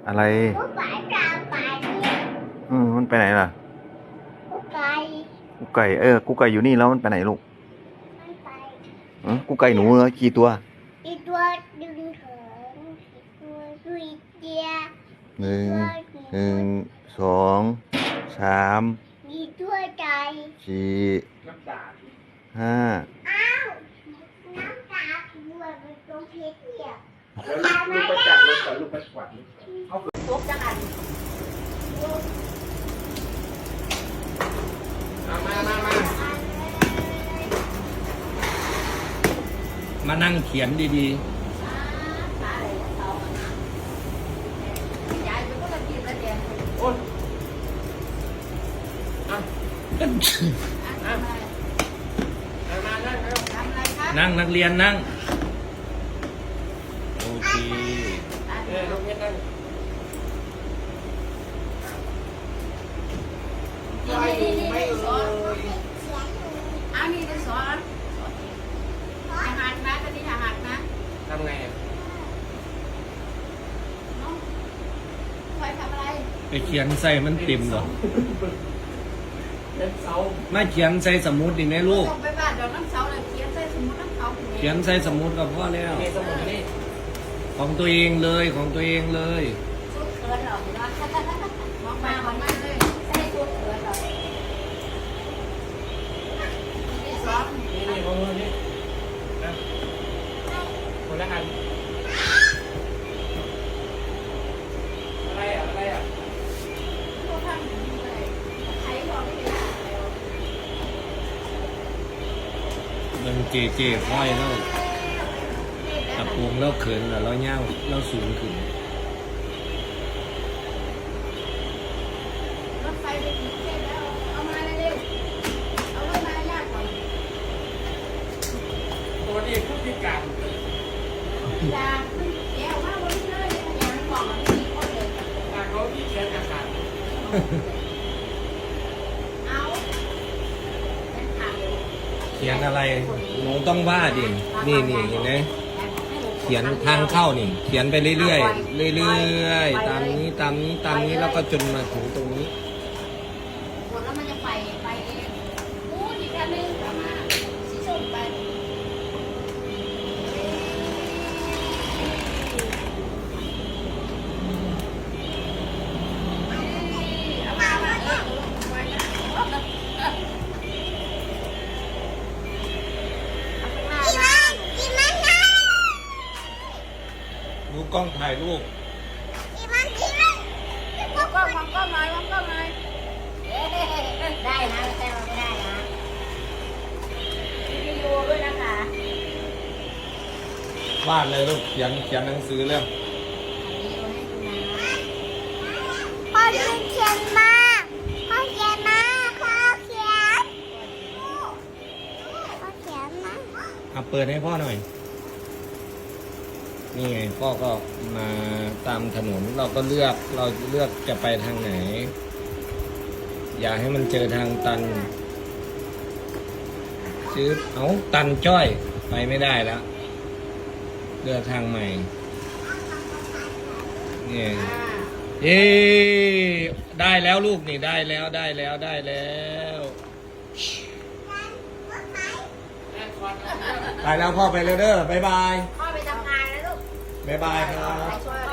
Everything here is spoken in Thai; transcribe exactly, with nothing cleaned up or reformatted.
อะไรกูไปกลางป่าเนี่ยอืมมันไปไหนล่ะกูไปกูไก่เออกูไก่อยู่นี่แล้วมันไปไหนลูกมันไปเออกูไก่หนูเหรอกี่ตัวอีตัวดึงเถิงอีตัวดุยเจียหนึ่งตัวหนึ่งสองสามอีตัวใจสี่ห้าอ้าวน้ำตาบัวเป็นตัวเพชรเนี่ยแล้วลูกไปจับรถก่อนลูกไปกวาดเอาตกจังอันมามามามานั่งเขียนดีโอ้ยอ่ะๆอ่ะมามานั่งเร็วนั่งนักเรียนนั่ง โอเคเออลูกเพชรนั่งนี่นี่นี่ไม่นี่สเลอนยอันนี้เป็นสอนทหารนะตอนนี้ทหารนะทำไงอ่ะน้องคอยทำอะไรไปเขียนใส่มันติ่มเหรอเป็นเสาไม่เขียนใส่สมุดดีไหมลูกต้องไปบ้านเดี๋ยวน้ำเสาเลยเขียนใส่สมุดน้ำเขาเขียนใส่สมุดกับพ่อแล้วเมสมุนนี่ของตัวเองเลยของตัวเองเลยชุดเขินหรอกนะมองมามองมาเลยใส่ชุดเขินหรอกนี่สอนนี่นี่ของมือนี่นะคนละอันอะไรอ่ะอะไรอ่ะพวกท่านเลยใช้พอไม่ได้แล้วมันเจเจค่อยแล้วตะปูงแล้วเขินแล้วแล้วเง่าแล้วสูงขึ้นรถไฟไปถึงเทพแล้วเอามาเร็วๆเอารถมายากก่อนตัวนี้ผู้พิการยาขึ้นแก้วมาวันนี้เลยยาบอกว่าไม่มีคนเลยตาเขาที่เขียนอาการเอาเป็นข่าวเขียนอะไรหนูต้องว่าดินี่นี่เห็นไหมเขียนทางเข้านี่ เขียนไปเรื่อยๆเรื่อยๆตามนี้ตามนี้ตามนี้แล้วก็จนมาถึงตรงนี้หมดแล้วมันจะไปไปเองอู้อีกอันนึงกลับมาสีส้มไปเอามามาเออไว้นะเอาข้างหน้ามาอีมันนะดูกล้องถ่ายรูปอีมันอีมันวางกล้องวางกล้องหน่อยวางกล้องหน่อยเอ๊ะได้นะแต่ว่าไม่ได้นะวิดีโอด้วยนะคะวาดเลยลูกเขียนเขียนหนังสือเรื่องพ่อเขียนมาพ่อเขียนมาพ่อเขียนพ่อเขียนมาอ่ะเปิดให้พ่อหน่อย นี่ไงพ่อก็มาตามถนนเราก็เลือกเราเลือกจะไปทางไหน อย่าให้มันเจอทางตันซื้อเอาตันจ้อยไปไม่ได้แล้วเลือกทางใหม่นี่ เอ๊ได้แล้วลูกนี่ได้แล้วได้แล้วได้แล้วไปแล้วพ่อไปเลยเด้อบ๊ายบายพ่อไปทำงานแล้วลูกบ๊ายบายครับไปช่วย